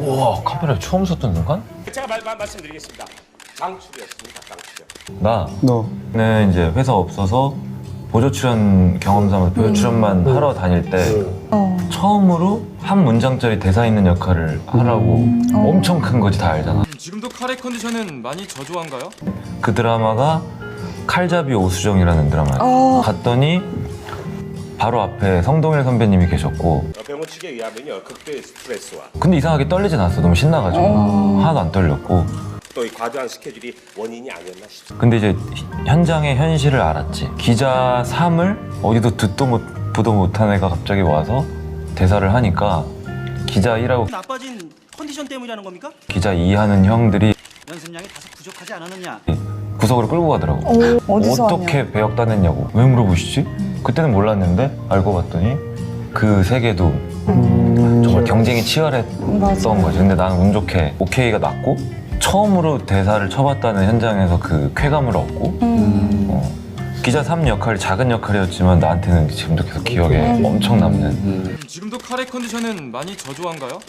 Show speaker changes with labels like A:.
A: 우와, 카메라에 처음 섰던 순간?
B: 제가 말씀드리겠습니다. 강출이었습니다. 강출이요.
C: 너.
A: 나는 이제 회사 없어서 보조 출연 경험 삼아 보조 출연만 하러 다닐 때 처음으로 한 문장짜리 대사 있는 역할을 하라고 엄청 큰 거지, 다 알잖아.
D: 지금도 카레 컨디션은 많이 저조한가요?
A: 그 드라마가 칼잡이 오수정이라는 드라마였어. 갔더니 바로 앞에 성동일 선배님이 계셨고,
B: 병원 측에 의하면요, 극도의 스트레스와
A: 근데 이상하게 떨리진 않았어. 너무 신나가지고 하나도 안 떨렸고.
B: 또 이 과도한 스케줄이 원인이 아니었나 싶습니다.
A: 근데 이제 현장의 현실을 알았지. 기자 3을 어디도 듣도 보도 못한 애가 갑자기 와서 대사를 하니까 기자 1하고
E: 나빠진 컨디션 때문이라는 겁니까?
A: 기자 2 하는 형들이
E: 연습량이 다소 부족하지 않았느냐?
A: 구석으로 끌고 가더라고.
F: 어디서
A: 어떻게 배역 따냈냐고. 왜 물어보시지? 그때는 몰랐는데 알고 봤더니 그 세계도 정말 경쟁이 치열했던 거지. 근데 나는 운 좋게 오케이가 났고, 처음으로 대사를 쳐봤다는 현장에서 그 쾌감을 얻고, 기자 3 역할이 작은 역할이었지만 나한테는 지금도 계속 기억에 엄청 남는.
D: 지금도 카레 컨디션은 많이 저조한가요?